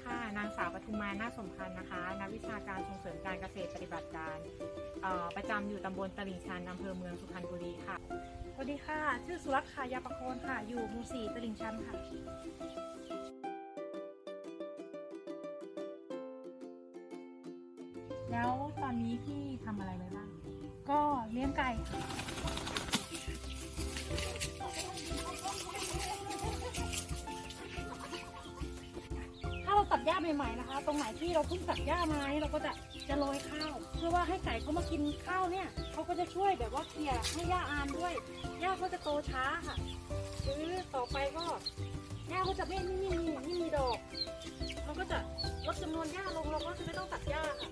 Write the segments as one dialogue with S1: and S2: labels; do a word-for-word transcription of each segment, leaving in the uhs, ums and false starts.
S1: ค่ะนางสาวปทุมมานาคสมพันธ์นะคะนักวิชาการส่งเสริมการเกษตรปฏิบัติการประจำอยู่ตำบลตลิ่งชันอำเภอเมืองสุพรรณบุรีค่ะ
S2: สวัสดีค่ะชื่อสุรัตน์ค่ะยาประโคนค่ะอยู่หมู่สี่ตลิ่งชันค่ะ
S1: แล้วตอนนี้พี่ทำอะไรไว้บ้าง
S2: ก็เลี้ยงไก่ค่ะถ้าเราตัดหญ้าใหม่ๆนะคะตรงไหนที่เราเพิ่งตัดหญ้ามาเราก็จะจะโรยข้าวเพื่อว่าให้ไก่เขามากินข้าวเนี่ยเขาก็จะช่วยแบบว่าเคลียร์ให้หญ้าอานด้วยหญ้าเขาจะโตช้าค่ะหรือต่อไปก็หญ้าเขาจะไม่ไม่มีไม่มีดอกเราก็จะลดจำนวนหญ้าลงเราก็จะไม่ต้องตัดหญ้าค่ะ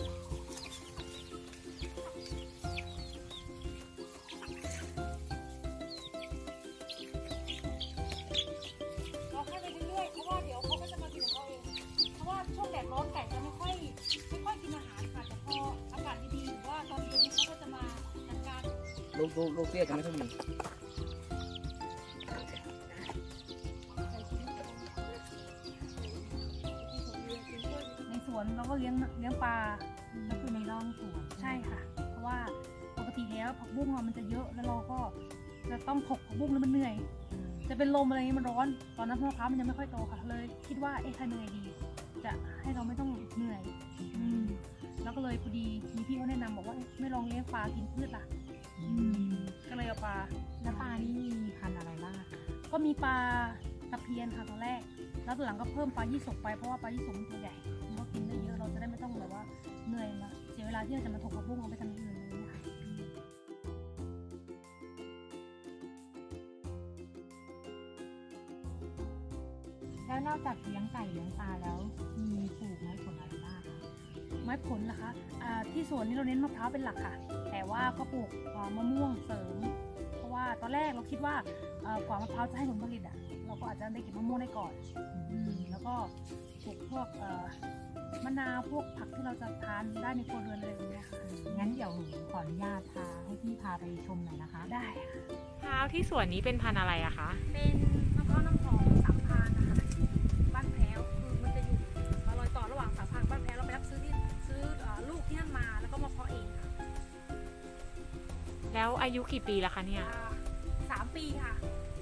S2: เราให้ไปเรื่อยๆเพราะว่าเดี๋ยวเขาก็จะมากินของเขาเองเพราะว่าช่วงแดดร้อนไก่จะไม่ค่อยไม่ค่อยกินอาหารค่ะแต่พออากาศดีๆหรือว่าตอนเย็นนี้เขาก็จะมาจัดการ
S3: ลูกลูกลูกเตี้ยจะไม่ค่อยมี
S2: ในสวนเราก็เลี้ยงเลี้ยงปลาก็คือในร่องสวนใช่ค่ะ เพราะว่าปกติแล้วผักบุ้งมันจะเยอะแล้วเราก็จะต้องถกผักบุ้งแล้วมันเหนื่อยจะเป็นลมอะไรอย่างนี้มันร้อนตอนนั้นมะพร้าวมันยังไม่ค่อยโตค่ะเลยคิดว่าเอ๊ะทำยังไงดีจะให้เราไม่ต้องเหนื่อยอืมแล้วก็เลยพอดีมีพี่เขาแนะนำบอกว่าไม่ลองเลี้ยงปลากินพืชล่ะก็เลยเอาปลา
S1: แล้วปลานี่มีพันธุ์อะไรบ้างคะ
S2: ก็มีปลาตะเพียนค่ะตอนแรกแล้วตอนหลังก็เพิ่มปลายี่สกไปเพราะว่าปลายี่สกมันตัวใหญ่มันก็กินได้เยอะเราจะได้ไม่ต้องแบบว่าเหนื่อยมาเสียเวลาที่เราจะมาถกผักบุ้งเอาไปทำอย่างอื่นเลยนะคะ
S1: แล้วนอกจากเลี้ยงไก่เลี้ยงปลาแล้วมีปลูกไม้ผลอะไรบ้างคะ
S2: ไม้ผลล่ะคะอ่าที่สวนนี้เราเน้นมะพร้าวเป็นหลักค่ะแต่ว่าก็ปลูกมะม่วงเสริมเพราะว่าตอนแรกเราคิดว่ากว่ามะพร้าวจะให้ผลผลิตอ่ะเราก็อาจจะได้เก็บมะม่วงได้ก่อนแล้วก็ปลูกพวกมะนาวพวกผักที่เราจะทานได้ในครัวเรือนอะไรอย่างเงี้ยค่ะ
S1: งั้นเดี๋ยวหนูขออนุญาตพาให้พี่พาไปชมหน่อยนะคะ
S2: ได้
S1: มะพร้าวที่สวนนี้เป็นพันธุ์อะไรอะคะ
S2: เป็นมะพร้าวน้ำหอมสามพานนะคะบ้านแพ้วคือมันจะอยู่รอยต่อระหว่างสามพานบ้านแพ้วเราไปรับซื้อที่ซื้อลูกที่นั่นมาแล้วก็มาเพาะเองค่ะ
S1: แล้วอายุกี่ปีแล้วคะเนี่ย
S2: สามปีค่ะ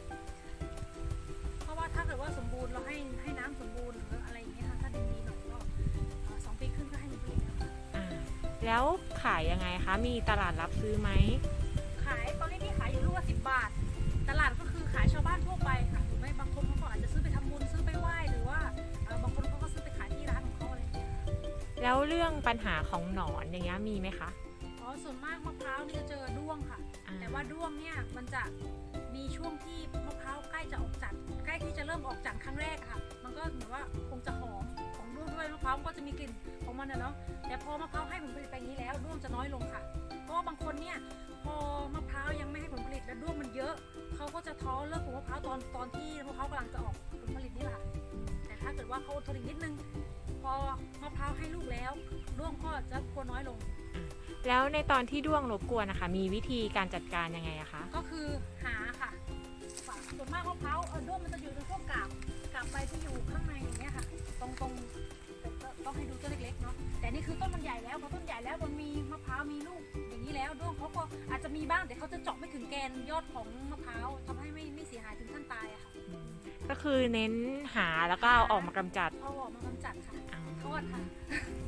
S2: เพราะว่าถ้าเกิดว่าสมบูรณ์เราให้ให้น้ำสมบูรณ์หรืออะไรอย่างเงี้ยค่ะถ้าดินดีหน่อยก็สองปีครึ่งก็ให้ผลผลิตแล้วค่ะ
S1: แล้วขายยังไงคะมีตลาดรับซื้อไหม
S2: ขายตอนนี้ที่ขายอยู่ลูกละสิบบาทตลาดก็คือขายชาวบ้านทั่วไปค่ะหรือไม่บางคนเขาก็อาจจะซื้อไปทำบุญซื้อไปไหว้หรือว่าบางคนเขาก็ซื้อไปขายที่ร้านของเขาอะไรอย่างเงี้ย
S1: แล้วเรื่องปัญหาของหนอนอย่างเงี้ยมีไหมคะ
S2: อ๋อส่วนมากมะพร้าวนี่จะเจอด้วงค่ะแต่ว่าด้วงเนี่ยมันจะมีช่วงที่มะพร้าวใกล้จะออกจัดใกล้ที่จะเริ่มออกจัดครั้งแรกค่ะมันก็เหมือนว่าคงจะหอมของด้วงด้วยมะพร้าวก็จะมีกลิ่นของมันนะเนาะแต่พอมะพร้าวให้ผลผลิตไปนี้แล้วด้วงจะน้อยลงค่ะเพราะว่าบางคนเนี่ยพอมะพร้าวยังไม่ให้ผลผลิตแล้วด้วงมันเยอะเขาก็จะท้อเลิกปลูกมะพร้าวตอนตอนที่มะพร้าวกำลังจะออกผลผลิตนี่แหละแต่ถ้าเกิดว่าเขาทนอีกนิดนึงพอมะพร้าวให้ลูกแล้วด้วงก็จะกลัวน้อยลง
S1: แล้วในตอนที่ด้วงรบกวนนะคะมีวิธีการจัดการยังไงอะคะ
S2: ก็คือหาค่ะส่วนมากมะพร้าวเออด้วงมันจะอยู่ในพวกกาบกาบใบที่อยู่ข้างในอย่างเงี้ยค่ะตรงตรงต้องให้ดูต้นเล็กๆเนาะแต่นี่คือต้นมันใหญ่แล้วพอต้นใหญ่แล้วมันมีมะพร้าวมีลูกอย่างนี้แล้วด้วงเขาก็อาจจะมีบ้างแต่เขาจะเจาะไม่ถึงแกนยอดของมะพร้าวทำให้ไม่ไม่เสียหายถึงขั้นตายอะค่ะ
S1: ก็คือเน้นหาแล้วก็เอาออกมากำจัด
S2: เอาออกมากำจัดค่ะทอดค่ะ